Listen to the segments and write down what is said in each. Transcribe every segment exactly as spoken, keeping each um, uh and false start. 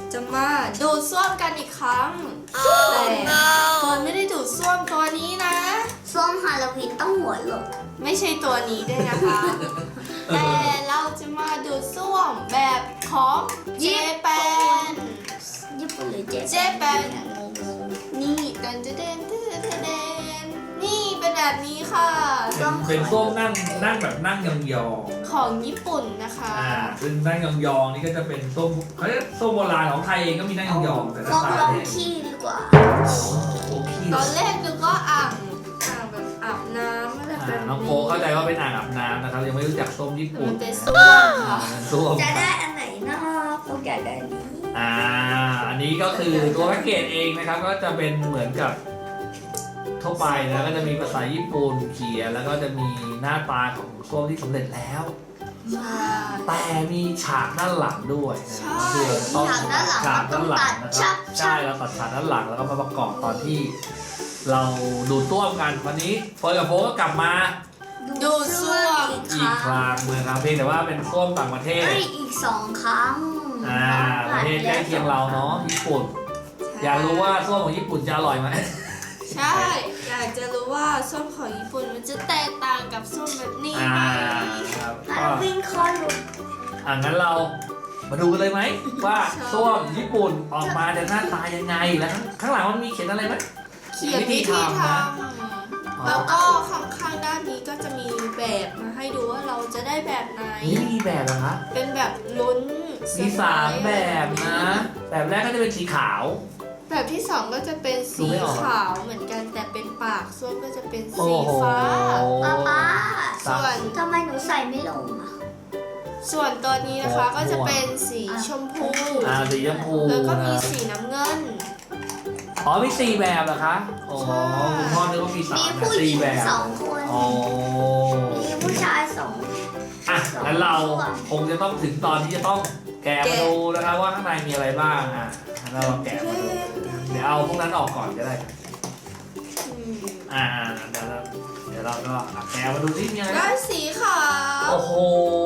จะมาดูดซ่วมกันอีกครั้งแต่เฟิร์นไม่ได้ดูดซ่วมตัวนี้นะส้มฮาโลวีนต้องหัวหลบไม่ใช่ตัวนี้ด้วยนะคะ แต่เราจะมาดูดซ่วมแบบของเจแปนญี่ปุ่นหรือเจเจแปนนี่เดินเดินเดินเดินเดินนี่เป็นแบบนี้ค่ะเป็นส้วมนั่งนั่งแบบนั่งยองของญี่ปุ่นนะคะๆอ่าซึ่งนั่งยองๆนี่ก็จะเป็นส้มเขาเรียกส้มโบราณของไทยเองก็มีนั่งยองๆแต่หน้าส้มตาลองเนี่ยขี้ดีกว่าโอ้พี่ตอนแรกนึกว่าอ่างอ่างแบบอาบน้ำอะไรแบบอ่านี้น้องโฟเข้าใจว่าเป็นอ่างอาบน้ำนะครับยังไม่รู้จักส้มญี่ปุ่มัน นเป็นซ่วมค่ะส้มจะได้อันไหนนะโฟกอยากได้อันนี้อ่าอันนี้ก็คือตัวแพ็กเกจเองนะครับก็จะเป็นเหมือนกับทั่วไปนะก็จะมีภาษาญี่ปุ่นเขียนแล้วก็จะมีหน้าตาของส้วมที่สำเร็จแล้วใช่แต่มีฉากด้านหลังด้วยนะใช่คือเราต้องฉากด้านหลังฉากด้านหลังมันนะต้องตัดครับชับใช่เราตัดฉากด้านหลังแล้วก็มาประกอบตอนที่ เราดูดต้วมกันวันนี้เฟิร์นกับโฟก็กลับมาดูดซ่วมอีกคอีกรั้งครั้งนะครับเพียงแต่ว่าเป็นส้วมต่างประเทศเอ้ยอีกสองครั้งอ่าประเทศใกล้เคียงเราเนาะญี่ปุ่น อยากรู้ว่าส้วมของญี่ปุ่นจะอร่อยไหมใช่ อยากจะรู้ว่าส้มของญี่ปุ่นมันจะแตกต่างกับส้มแบบนี้อ่าไหมครับฮาก็โลวีนคอลุกอ่างั้นเรามาดูกันเลยไหมว่าใช่ส้วมญี่ปุ่นออกมาจะหน้าตายังไงแล้วข้างหลังมันมีเขียนอะไรไหมเขียนวิธีทอ๋อำแล้วก็ข้างๆด้านนี้ก็จะมีแบบมาให้ดูว่าเราจะได้แบบไหนนี่มีแบบเหรอคะเป็นแบบลุ้นมีสามแบบนะ แบบแรกก็จะเป็นสีขาวแบบที่สองก็จะเป็นดูสีไม่ออกขาวเหมือนกันแต่เป็นปากส้วมก็จะเป็นโอ้สีโหฟ้าป้าป้าส่วนทำไมหนูใส่ไม่ลงอ่ะส่วนตัวนี้นะคะก็จะเป็นสีชมพูอ่าสีชมพูแล้วก็มีนะสีน้ำเงินอ๋อมีสี่แบบเหรอคะอ๋อใช่คุณพ่อนึกว่ามีสามมีนะผู้หสี่ญิงแบบสองคนอ๋อมีผู้ชายสองอ่ะงั้นเราคงจะต้องถึงตอนที่จะต้องแกะมาดูนะครับว่าข้างในมีอะไรบ้างอ่ะงั้นเราลองแกะมาดูเดี๋ยวเอาพวกนั้นออกก่อนก็ได้อืมอ่าเดี๋ยวเราเดี๋ยวเราก็แกะมาดูที่มีอะไรได้สีขาวโอ้โห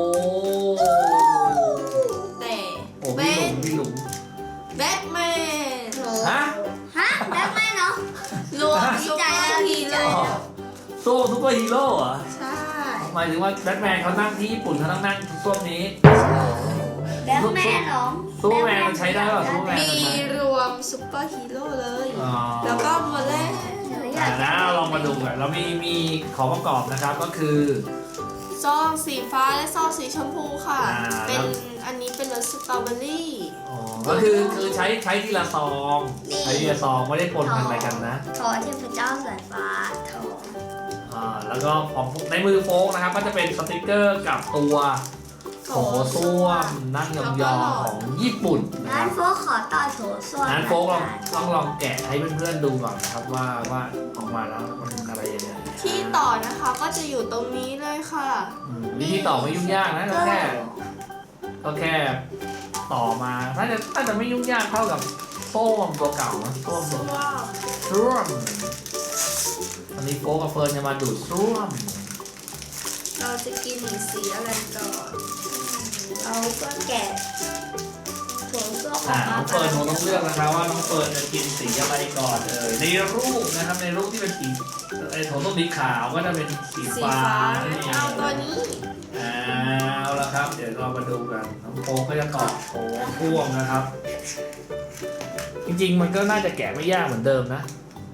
แต่โอ้เป็พี่หลุนมพี่หลุมแบทแมนโหฮะฮะแล้วไม่เนาะรวมดีซุปใจเปอแล้วร์ดีฮีใจโร่อ๋อโซ่ซูเปอร์ฮีโร่เหรอใช่หมายถึงว่าแบทแมนเขานั่งที่ญี่ปุ่นเขาต้องนั่งส้วมนี้แบทแมนเหรอซูเปอร์แมนมันใช้ได้ป่ะซูเปอร์แมนมีรวมซุปเปอร์ฮีโร่เลยอ๋อแล้วก็โมเลนอ่านะลองมาดูกันเรามีมีของประกอบนะครับก็คือซองสีฟ้าและซองสีชมพูค่ะอ่าเป็นอันนี้เป็นรสสตรอเบอรี่อ๋อก็คือคือใช้ใช้ทีละซองใช้ทีละซองไม่ได้ปนกันอะไรกันนะทอเทพเจ้าสายฟ้าทออ่าแล้วก็ของในมือโฟกนะครับก็จะเป็นสติกเกอร์กับตัวโถส้วมนั่งยองๆของญี่ปุ่นนะคงั้รันบโฟกขอต่อโถส้วมงั้นโฟกลองต้องลองแกะให้เพื่อนๆดูก่อนนะครับว่าว่าออกมาแล้วมันอะไรยังไงที่ต่อนะคะก็จะอยู่ตรงนี้เลยค่ะอืมวิธีต่อไม่ยุ่งยากนะก็แค่ก็แค่ต่อมาน่าจะน่าจะไม่ยุ่งยากเท่ากับโซ่วมตัวเก่านะโซ่วมตัวว้าวส้วมอันนี้โฟกกับเฟิร์นจะมาดูดส้วมเราจะกินสีอะไรก่อนเราก็แกะโถส้วมออ่าอกน้มาองเฟิร์นคงต้องเลือกนะครับว่าน้องเฟิร์นจะกินสีอะไรก่อนเอ่ยในรูปนะครับในรูปที่เป็นสีไอ้โถส้วมสีขาวก็จะเป็นสีสีฟ้าฟ้านั่นเองเอาตัวนี้เอาละครับ เดี๋ยวเรามาดูกันน้องโฟก็จะต่อโถส้วมนะครับ จริงๆมันก็น่าจะแกะไม่ยากเหมือนเดิมนะ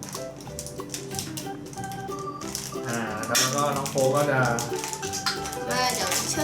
อ่าแล้วก็น้องโฟก็จะมาเดี๋ยวช่วย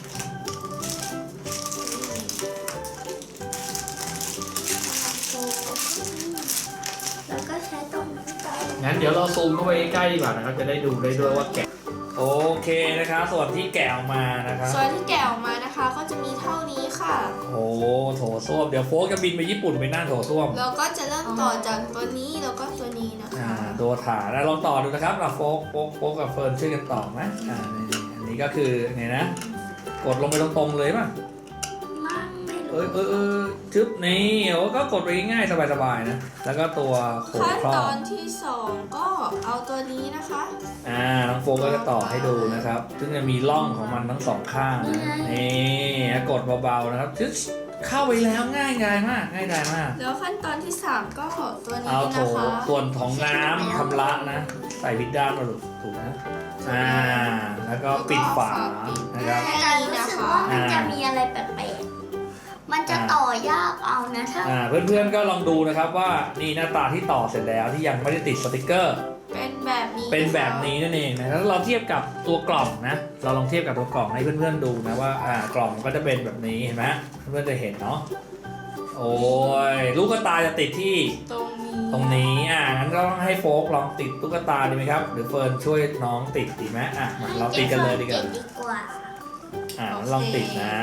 แล้วก็ใช้ตรงนี้ไปงั้นเดี๋ยวเราซูมเข้าไปใกล้ๆดีกว่านะครับ จะได้ดูได้ด้วยว่าแกะ โอเคนะครับ ส่วนที่แกะออกมานะครับส่วนที่แกะออกมานะคะ ก็จะมีเท่านี้ค่ะโอ้โถส้วม เดี๋ยวโฟกจะบินไปญี่ปุ่นไปนั่งโถส้วมเราก็จะเริ่มต่อจากตัวนี้แล้วก็ตัวนี้นะอ่าคะตัวฐานแล้วลองต่อดูนะครับเราโฟกโฟกโฟกกับเฟิร์นช่วยกันต่อนะอ่านี่อันนี้ก็คือไงนะ กดลงไปตรงๆเลยป่ะมั่งไม่เอรู้อเออเออจึ๊บนี่โอ้ก็กดไปง่ายๆสบายๆนะ แล้วก็ตัวโขงขั้นครอตบอนที่สองก็เอาตัวนี้นะคะอ่าน้องโฟกก็จะต่อให้ดูนะครับ ซึ่งจะมีร่องของมันทั้งสองข้างนะนี่กดเบาๆนะครับจึ๊บเข้าไปแล้วง่ายดายมากง่ายดายมากแล้วขั้นตอนที่สามก็ตัวนี้เอาโถนะคะส่วนของน้ำชำระนะ ใส่วิดด้านมาถูกนะอ่าแล้วก็ปิดฝานะครับแต่การรู้สึกว่ามันจะมีอะไรแปลกๆมันจะต่อยากเอานะถ้าอ่าเพื่อนๆก็ลองดูนะครับว่านี่หน้าตาที่ต่อเสร็จแล้วที่ยังไม่ได้ติดสติกเกอร์เป็นแบบนี้เป็นแบบนี้นั่นเองนะถ้าเราเทียบกับตัวกล่องนะ เราลองเทียบกับตัวกล่องให้เพื่อนๆดูนะว่าอ่ากล่องก็จะเป็นแบบนี้เห็นไหมเพื่อนๆจะเห็นเนาะโอ้ยลูกตาจะติดที่ตรงนี้ตรงนี้อ่างั้นก็ต้องให้โฟกลองติดตุ๊กตาดีไหมครับหรือเฟิร์นช่วยน้องติดดีไหมอ่ะมาเราติดกันเลยดีกว่าดีกว่าอ่าลองติดนะ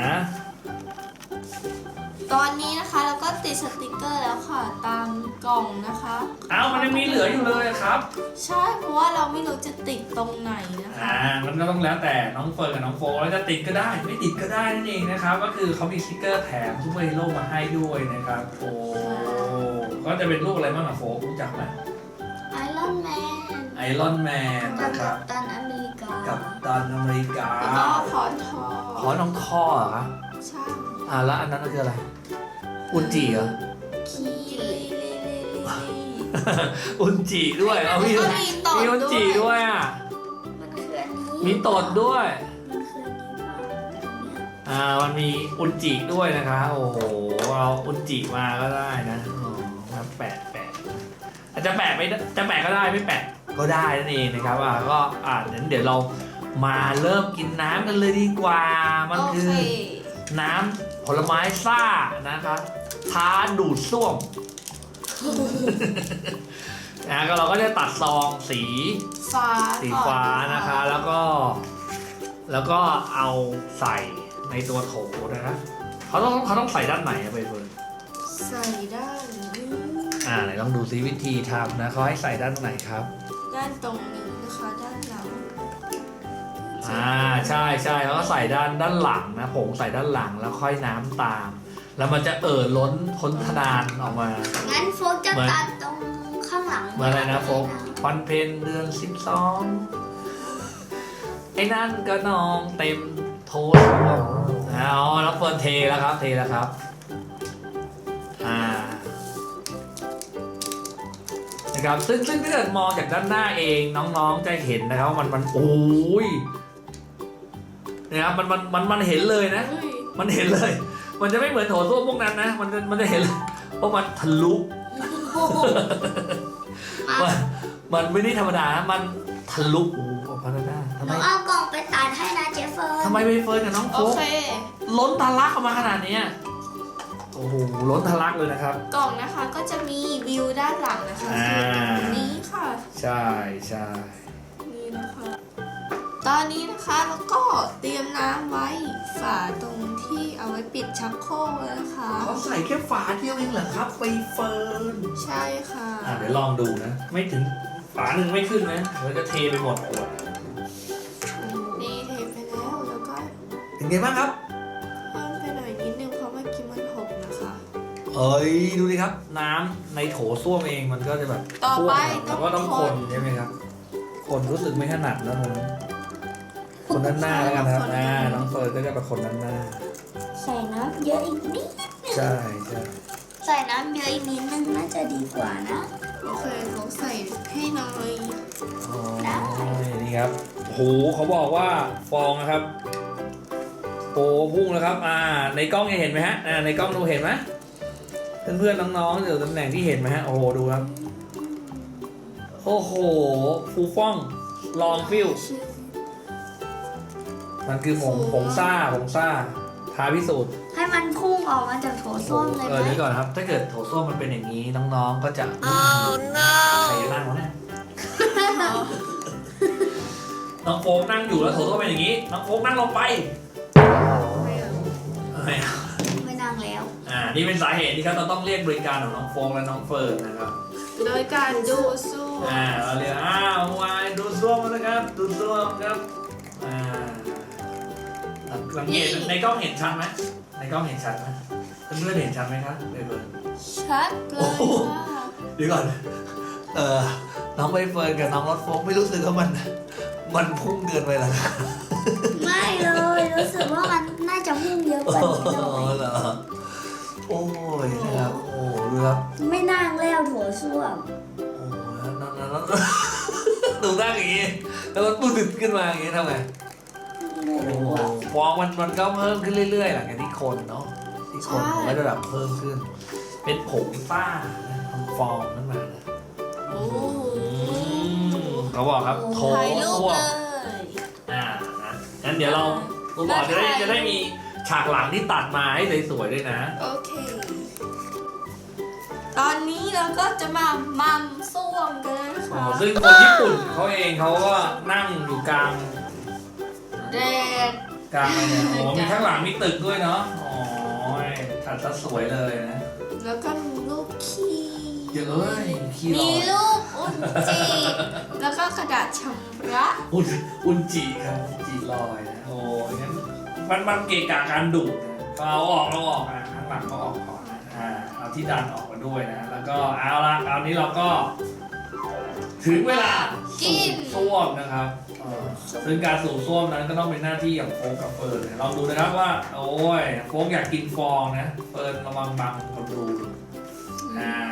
ตอนนี้นะคะเราก็ติดสติกเกอร์แล้วค่ะตามกล่องนะคะอ้าวมันยังมีเหลืออยู่เลยครับใช่เพราะว่าเราไม่รู้จะติดตรงไหนนะคะอ่ามันก็ต้องแล้วแต่น้องเฟิร์นกับน้องโฟกแล้วจะติดก็ได้ไม่ติดก็ได้นั่นเองนะครับก็คือเขามีสติกเกอร์แถมซูเปอร์ฮีโร่มาให้ด้วยนะครับโอ้ก็จะเป็นรูปอะไรบ้างอะโฟกรู้จักไหมไอรอนแมนไอรอนแมนกันะครับปตันอเมริกากับตันอเมริกาแล้วก็ขอนทอขอน้องคอเหรอครับใช่อ่าแล้วอันนั้นคืออะไรอุนจิเหรอคีลีลีลีลีลีอุนจิด้วยเอามีแล้วก็มีตดมีอุนจิด้วยด้วยอ่ะมันคืออันนี้มีตดด้วยมันคืออันนี้ป่ะเนี่ยอ่ามันมีอุนจิด้วยนะคะโอ้โหเอาอุนจิมาก็ได้นะอ๋อครับแปะแปะอาจจะแปะไม่ได้จะแปะก็ได้ไม่แปะก็ได้นั่นเองนะครับอ่าก็อ่างั้นเดี๋ยวเรามาเริ่มกินน้ำกันเลยดีกว่ามันโอคืเคอน้ำผลไม้ซ่านะครับท้าดูดซ่วม นะก็เราก็จะตัดซองสีฟ้าสีฟ้านะคะ แล้วก็แล้วก็เอาใส่ในตัวโถนะคะเขาต้องเขาต้องใส่ด้านไหนอะไปเฟิร์นใส่ด้านนี้อ่าไหนลองดูซิวิธีทำนะเขาให้ใส่ด้านไหนครับด้านตรงนี้นะคะด้านหลังอ่าใช่ใช่แล้วก็ใส่ด้านด้านหลังนะผงใส่ด้านหลังแล้วค่อยน้ำตาม แล้วมันจะเอ่อล้นพ้นทนานออกมางั้นโฟกจะตัดตรงข้างหลังเหมื่อนอะไรนะโฟกวันเพ็ญเดือนสิบสองไอ้นั่นก็นองเต็มโถส้วมอ๋อแล้วเฟิร์นเทแล้วครับเทแล้วครับอ่านะครับซึ่งซึ่งถ้าเกิดมองจากด้านหน้าเองน้องๆจะเห็นนะครับว่ามันมันโอ้ยนะครับมันมันมันมันเห็นเลยนะเฮ้ยมันเห็นเลย มันจะไม่เหมือนโถส้วมพวกนั้นนะ มันจะมันจะเห็นเลยเพราะมันทะลุ มันมันไม่ได้ธรรมดานะมันทะลุโอ้โหพัฒนาทำหไมนูเอากล่องไปตัดให้นะเจฟเฟิร์นทำไมใบเฟิร์นกับน้องโอโฟกเคล้นทะลักออกมาขนาดเนี้ยโอ้โหล้นทะลักเลยนะครับกล่องนะคะก็จะมีวิวด้านหลังนะคะอ่าคือตรงนี้ค่ะใช่ใช่นี่นะคะ ตอนนี้นะคะแล้วก็เตรียมน้ำไว้ฝาตรงที่เอาไว้ปิดชักโครกแล้วนะคะเขาใส่แค่ฝาเดียวเองเหรอครับใบเฟิร์นใช่ค่ะอ่ะเดี๋ยวลองดูนะ ไม่ถึงฝาหนึ่งไม่ขึ้นนะเราจะเทไปหมดขวดนี่เทไปแล้วแล้วก็เป็นไงบ้างครับเพิ่มไปหน่อยนิดนึงเพราะเมื่อกี้มันหกนะคะเอ้ยดูดิครับ น้ำในโถส้วมเองมันก็จะแบบต่อไปท่วมแล้วก็ต้องคนใช่ไหมครับ คนรู้สึกไม่ถนัดแล้วนะคนด้านหน้าแล้วกันครับอ่าน้องเฟิร์นก็จะเป็นคนด้านหน้าใส่น้ำเยอะอีกนิดใช่ใช่ใส่น้ำเยอะอีกนิดนึงน่าจะดีกว่านะโอเคเขาใส่ให้หน่อยอ๋อนี่ครับโอ้โหเขาบอกว่าฟองนะครับโอ้พุ่งแล้วครับอ่าในกล้องจะเห็นไหมฮะอ่าในกล้องดูเห็นไหมเพื่อนๆน้องๆอยู่ตำแหน่งที่เห็นไหมฮะโอ้โหดูครับโอ้โหฟูฟ่องลองฟิลมันคือผงผงซ่าผงซ่าท้าพิสูจน์ให้มันพุ่งออกมาจากโถส้วมเลยเอไหอมเดี๋ยวก่อนครับ ถ้าเกิดโถส้วมมันเป็นอย่างนี้น้องๆก็จะ oh no ใครจะนั่งวะเนี่ยน้องโฟกนั่งอยู่แล้วโถส้วมเป็นอย่างนี้น้องโฟกนั่งลงไปไม่เอาไม่เอาไม่นั่งแล้วอ่านี่เป็นสาเหตุที่ครับเราต้องเรียกบริการของน้องโฟกและน้องเฟิร์นนะครับโดยการดูสู้อ่าเราเรียกอ้าววายดูส้วมนะครับดูส้วมครับอ่าสังเกตในกล้องเห็นชัดไหมในกล้องเห็นชัดไหมเพื่อนๆเห็นชัดไหมครับเฟิร์นชัดเลยค่ะเดี๋ยวก่อน เออน้องใบเฟิร์นกับน้องรถโฟกไม่รู้สึกว่ามัน มันพุ่งเกินไปหรอไม่เลยรู้สึกว่ามันน่าจะพุ่งเยอะกว่านี้หน่อยเหรอครับไม่นั่งแล้วโถส้วมโอ้แล้วนั่นนั่นนั่นหนูนั่งอย่างงี้แล้วมันปุ๊บขึ้นมาอย่างงี้ทำไงไม่โอ้รู้โหอะฟองมันมันก็เพิ่มขึ้นเรื่อยๆหลังจากที่คนเนาะที่คนมันก็จะแบบเพิ่มขึ้น เป็นผงฝ้านะทำฟองขึ้นมานะโอ้เขาบอกครับโถถ่ายรูปส้วมเลยอ่านะงั้นเดี๋ยวเราคุณบอกจะได้จะได้มีฉากหลังที่ตัดมาให้สวยๆด้วยนะโอเค ตอนนี้เราก็จะมามัมส้วมกันแล้วนะอ๋อคะซึ่งคนญี่ปุ่นเขาเองเขาก็นั่งอยู่กลางแดดกลางอะไรเนี่ยโอ้มีข้างหลังมีตึกด้วยเนาะอ๋อตัดซะสวยเลยนะแล้วก็มีรูปขี้เยอะเอ้ยขี้ร้มีอนรูปอุนจิแล้วก็กระดาษชำระอุนอุนจิครับอุนจิลอยนะโอ้ยงั้นมันมันเกะกะการดูดนะก็เอาออกเอาออกอ่ะข้างหลังก็ออกก่อนนะอ่าเอาที่ดันออกมาด้วยนะแล้วก็เอาละคราวนี้เราก็ ถึงเวลาสูบส้วมนะครับเออซึ่งการสูบส้วมนั้นก็ต้องเป็นหน้าที่ของโฟกกับเฟิร์นนะลองดูนะครับว่า โอ้ยโฟกอยากกินฟองนะเฟิร์นระวังบังคนดูอ่า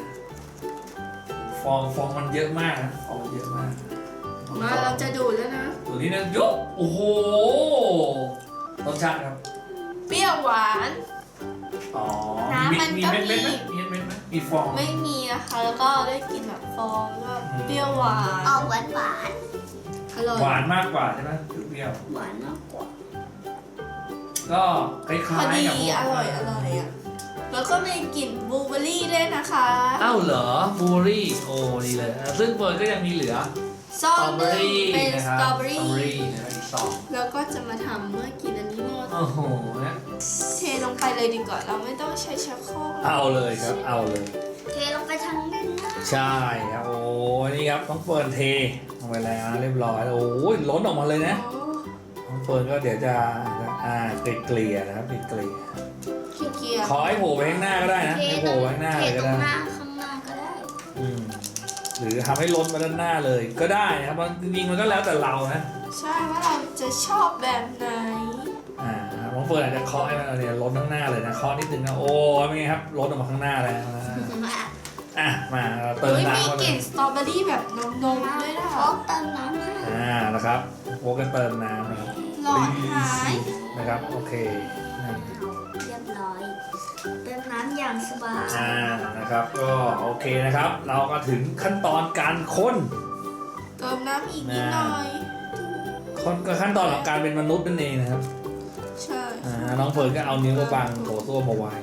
ฟองฟองมันเยอะมากนะฟองมันเยอะมากมาเราจะดูดแล้วนะตัวนี้นะยกโอ้โหรสชาติครับเปรี้ยวหวานอ๋อน้ำมันมีก็เม็ดเม็ดไหมมีมีเม็ดไหมมีฟองไม่มีนะคะ แล้วก็ได้กินแบบฟองก็เปรี้ยวหวานออกหวานหวานอร่อยหวานมากกว่าใช่ไหมเปรี้ยวๆหวานมากกว่าๆก็คล้ายพอๆดีกับพวกอร่อยอร่อยอ่ะ แล้วก็มีกลิ่นบลูเบอร์รี่ด้วยนะคะเอ้าเหรอบูเบอรี่โอ้ดีเลยอ่ะซึ่งเฟิร์นก็ยังมีเหลือซอสสตรอเบอรี่เป็นนะสครับตรอเบอรี่นะครับอีกสองแล้วก็จะมาทำเมื่อกินอันนี้หมดโอ้โหนะเทลงไปเลยดีกว่า เราไม่ต้องใช้ชักโครกเอาเลยครับเอาเลยเทลงไปทางด้านหน้าใช่ครับโอ้นี่ครับต้องเฟิร์นเทลงไปแล้วเรียบร้อยโอ้ยล้นออกมาเลยนะโอ้น้องเฟิร์นก็เดี๋ยวจะอ่าเกลี่ยๆนะครับเกลี่ยขี้เกียจๆขอให้โผล่ไปข้างหน้าก็ได้นะเทให้ตโผรล่งไปข้างหน้าเทเลยตก็รงได้หน้าข้างหน้าก็ได้อืมหรือทำให้ล้นมาด้านหน้าเลยก็ได้นะครับมันจริงๆมันก็แล้วแต่เรานะใช่ว่าเราจะชอบแบบไหนอ่าน้องเฟิร์นอาจจะเคาะให้มันเนี่ยล้นข้างหน้าเลยนะเคาะนิดนึงนะโอ้เป็นไงครับล้นออกมาข้างหน้าแล้วนะอ่ะมาเราเติมเฮ้ยมีน้ำเข้าก ไปลิ่นสตรอเบอรี่แบบนมนมๆด้วยนะโฟคะกเติมน้ำให้อ่านะครับโฟกันเติมน้ำนะครับหลอดหายนะครับโอเคนั่นเรียบร้อยเติมน้ำอย่างสบายอ่านะครับก็โอเคนะครับ เราก็ถึงขั้นตอนการค้นเติมน้ำอีกนิดหน่อยคนก็ขั้นตอนของการเป็นมนุษย์นั่นเองนะครับใช่อ่าน้องเฟิร์นก็เอานิ้วมาบังโถส้วมเอาไว้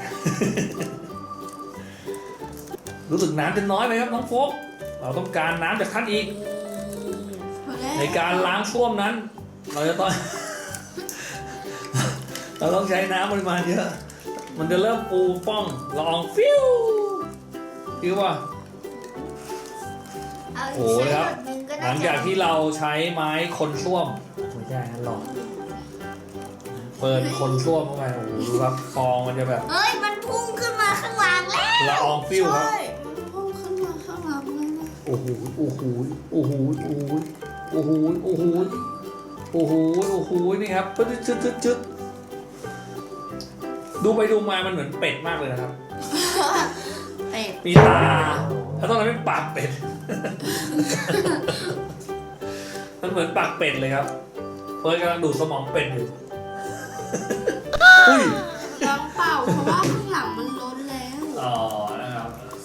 รู้สึกน้ำจะน้อยไหมครับน้องโฟกเราต้องการน้ำจากท่านอีกพอแล้วในการล้างส้วมนั้น เราจะต้อง เราต้องใช้น้ำปริมาณเยอะ มันจะเริ่มปูป้องละอองฟิวฟิวป่ะเอาโอ้อีกโหสักครับหนึ่งก็หได้ลังจากที่เราใช้ไม้คนส้วมไม่ใช่นะหลอดเปิดคนส้วมเข้าไปโอ้โหดูครับฟองมันจะแบบเฮ้ยมันพุ่งขึ้นมาข้างหลังแล้วละอองฟิวครับใช่มันพุ่งขึ้นมาข้างหลังเลยนะโอ้โหโอ้โหโอ้โหโอ้โหโอ้โหโอ้โหโอ้โหโอ้โหนี่ครับปึ๊ดชึดชึดชึดดูไปดูมามันเหมือนเป็ดมากเลยนะครับเป็ดมีตาแล้วตอนนั้นเป็นปากเป็ด มันเหมือนปากเป็ดเลยครับเฟิร์นกำลังดูดสมองเป็ดอยู่ อุ้ยน้ำเปล่าเพราะว่าข้างหลังมันล้นแล้วอ๋อ นะครับ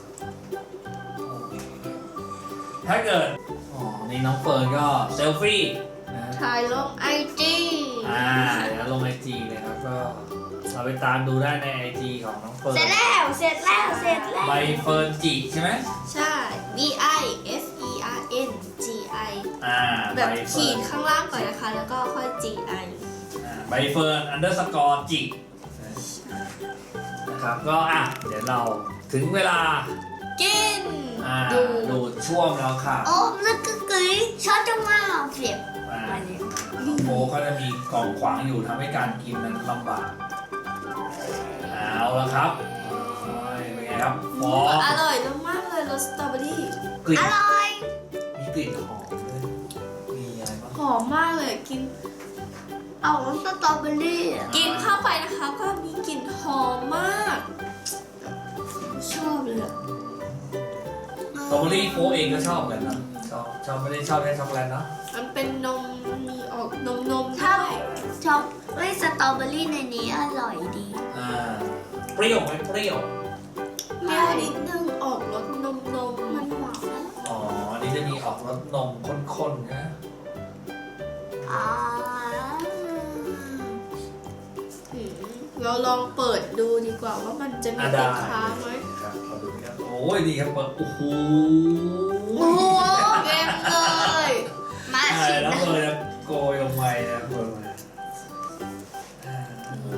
ถ้าเกิด อ๋อ นี่น้องเฟิร์นก็เซลฟี่นะถ่ายลงไอจีอ่าเดี๋ยวลงไอจีเลยครับ ก็เราไปตามดูได้ในไอจีของน้องเฟิร์นเสร็จแล้วเสร็จแล้วเสร็จแล้วใบเฟิร์นจีใช่ไหมใช่ B I S E R N G I อ่าแบบใเฟิขีร์ดนข้างล่างก่อนนะคะ แล้วก็ค่อย G I อ่าใบเฟิร์นอันเดอร์สกอร์จีนะครับ ก็อ่ะ เดี๋ยวเราถึงเวลากินอ่าดูดูดช่วมแล้วค่ะโอ้ลึกกึกกึ๋ยช็อตจะมาเสียบอ่ามาเลยโฟก็จะมีกล่องขวางอยู่ทำให้การกินนั้นลำบาก เอาละครับโอ้ยเป็นไงครับฟองอร่อยมากเลยรสสตรอเบอรี่กลิ่นอร่อยมีกลิ่นหอมด้วยมีอะไรบ้างหอมมากเลยกินเอาสตรอเบอรี่อะกินเข้าไปนะคะก็มีกลิ่นหอมมาก ชอบลือกสตรอเบอรี่โค้กเองก็ชอบกันนะชอบชอบไม่ได้ชอบแค่ช็อกโกแลตเนาะมันเป็นนมมีออกนมนมถ้าด้วยชอบเฮ้ยสตรอเบอรี่ในนี้อร่อยดีอ่าเปรี้ยวไหมเปรี้ยวเปรี้ยวนิดนึงออกรสนมนมมันหวานอ๋ออันนี้จะมีออกรสนมข้นๆนะอ่าอืมเราลองเปิดดูดีกว่าว่ามันจะมีอ่ะสิได้นค้าไหมครับเอาดูครับโอ้ยดีครับเปิดโอ้โหโอ้โหเต็มเลยมาใช่ชิมแล้วนะเปิดจะโกยลงไปนะเปิดมาอ่า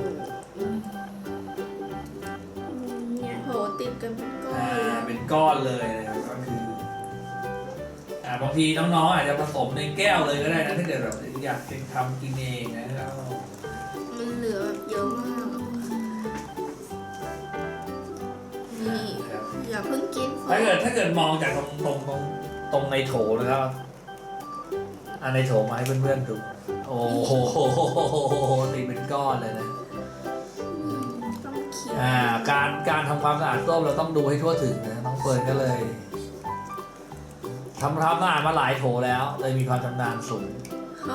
เนี่ยโหติดกันเป็นก้อนอ่าเลยเป็นก้อนเลยนะครับก็คืออ่าบางทีน้องๆอาจจะผสมในแก้วเลยก็ได้นะถ้าเกิดแบบอยากทำกินเองนะครับมันเหลือแบบเยอะมากนี่อย่าเพิ่งกินถ้าเกิดถ้าเกิดมองจากตรงตรงตรงตรงในโถนะครับอ่าในโถมาให้เพื่อนๆดูโอ้โหตีเป็นก้อนเลยนะต้องเคี้ยวอ่าการการทำความสะอาดส้วมเราต้องดูให้ทั่วถึงนะน้องเฟิร์นก็เลยทำความสะอาดมาหลายโถแล้วเลยมีความชำนาญสูงเขา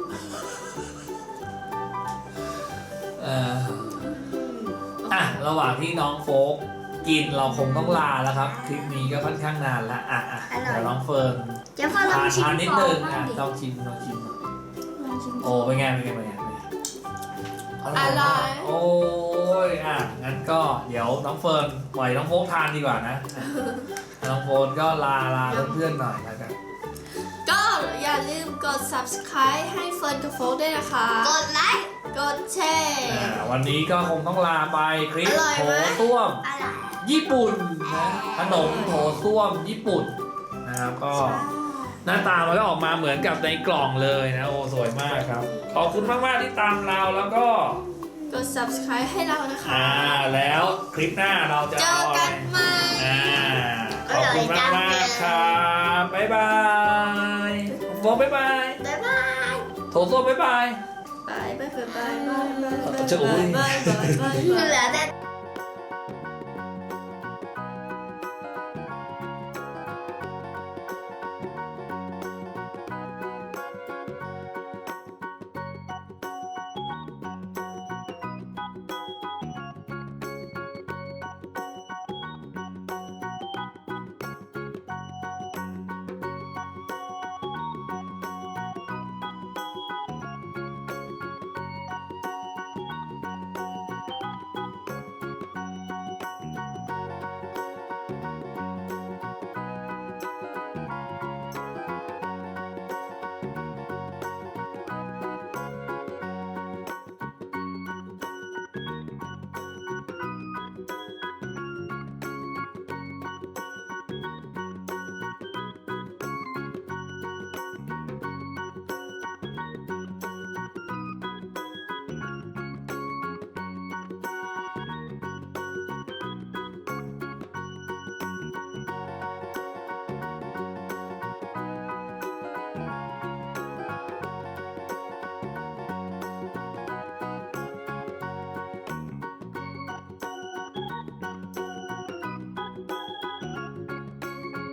เอ่ออ่ะระหว่างที่น้องโฟกกินเราคงต้องลาแล้วครับคลิปนี้ก็ค่อนข้างนานแล้วอ่ะอ่ะเดี๋ยวน้องเฟิร์นเจ๊ฟ้าลองทานชิมทานนิดฟอนึงงบ้าอ่ะงดิลองชิมลองชิมลองชิมโอ้เป็นไงเป็นไงเป็นไงเป็นไงอะไรโอ้ยอ่ะงั้นก็เดี๋ยวน้องเฟิร์นปล่อยน้องโฟกทานดีกว่านะอ่ะน้องโฟนก็ลาลาเพื่อนๆหน่อยแล้วกันก็อย่าลืมกด subscribe ให้เฟิร์นกับโฟกด้วยนะคะกดไลค์กดแชร์อ่าวันนี้ก็คงต้องลาไปคลิปอร่อยโถไหมส้วมอะไรญี่ปุ่นนะขนมโถส้วมญี่ปุ่นนะครับก็หน้าตามันก็ออกมาเหมือนกับในกล่องเลยนะโอ้สวยมากครับ ขอบคุณมากๆที่ตามเราแล้วก็กด subscribe ให้เรานะคะอ่าแล้วคลิปหน้าเราจะเจอเอาอะไรกันใหม่อ่าขอบคุณมากมากๆครับบ๊ายบายโฟบ๊ายบายบ๊ายบายโถส้วมบ๊ายบายบายบายบายบายบายบายจะอุ้ยบายบายบายบายเหลือแต่